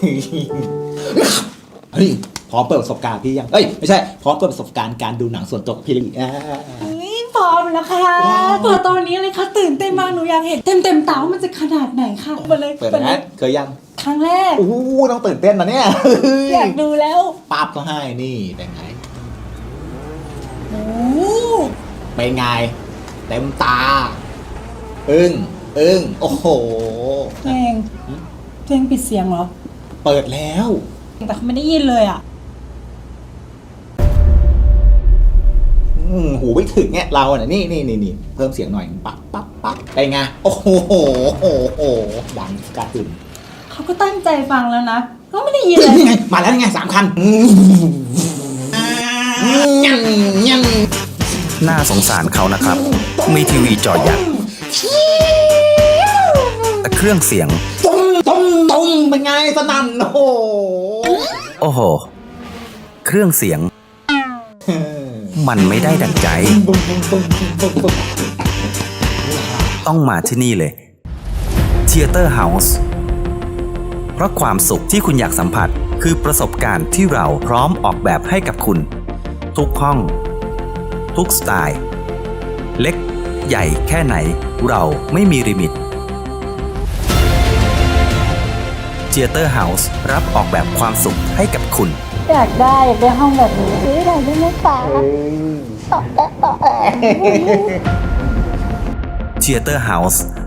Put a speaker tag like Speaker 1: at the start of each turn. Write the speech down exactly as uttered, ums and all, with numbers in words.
Speaker 1: เฮ้ยพร้อมเปิดประสบการณ์พี่ยังเอ้ยไม่ใช่พร้อมเปิดประสบการณ์การดูหนังส่วนตัวกับพี่เลยอ่า
Speaker 2: เฮ้ยพร้อมแล้วค่ะเปิดตอนนี้เลยค่ะตื่นเต้นมากหนูอยากเห็นเต็มเต็มๆตาว่ามันจะขนาดไหนค่ะมาเลย
Speaker 1: เปิดนะเคยยัง
Speaker 2: ครั้งแรก
Speaker 1: โอ้โหต้องตื่นเต้นนะเนี่ย
Speaker 2: อยากดูแล้ว
Speaker 1: ปั๊บก็ให้นี่เป็นไง
Speaker 2: โอ้
Speaker 1: เป็นไงเต็มตาอึ้งอึ้งโอ้โห
Speaker 2: เพลงเพลงปิดเสียงเหรอ
Speaker 1: เปิดแล้ว
Speaker 2: แต่เขาไม่ได้ยินเลยอ่ะ
Speaker 1: อืมหูไม่ถึงเนี่ยเราอ่ะนี่นี่นี่นี่เพิ่มเสียงหน่อยปั๊บปั๊บปั๊บไปไงโอ้โหโอ้โหโอ้โหดังกระหึ่ม
Speaker 2: เขาก็ตั้งใจฟังแล้วนะก็ไม่ได้ยินเลย
Speaker 1: นี่ไงมาแล้วนี่ไงสามคันยังยัง
Speaker 3: น่าสงสารเขานะครับ มีทีวีจอใหญ่แต่เครื่องเสียง
Speaker 1: ตุ้มตุ้มตุ้มเป็นไงสนั่นโอ้โห
Speaker 3: โอ้โห เครื่องเสียง มันไม่ได้ดั่งใจ
Speaker 1: ตุ้มตุ้มตุ้มตุ้มตุ้ม
Speaker 3: ต้องมาที่นี่เลย Theater House เพราะความสุขที่คุณอยากสัมผัสคือประสบการณ์ที่เราพร้อมออกแบบให้กับคุณ ทุกห้อง ทุกสไตล์ เล็กใหญ่แค่ไหนเราไม่มีลิมิต Theater House รับออกแบบความสุขให้กับคุณ
Speaker 2: อยากได้อยากได้ห้องแบบนี้ซื้อได้ได้ไหมคะต่อแอะต่อแอะ
Speaker 3: Theater House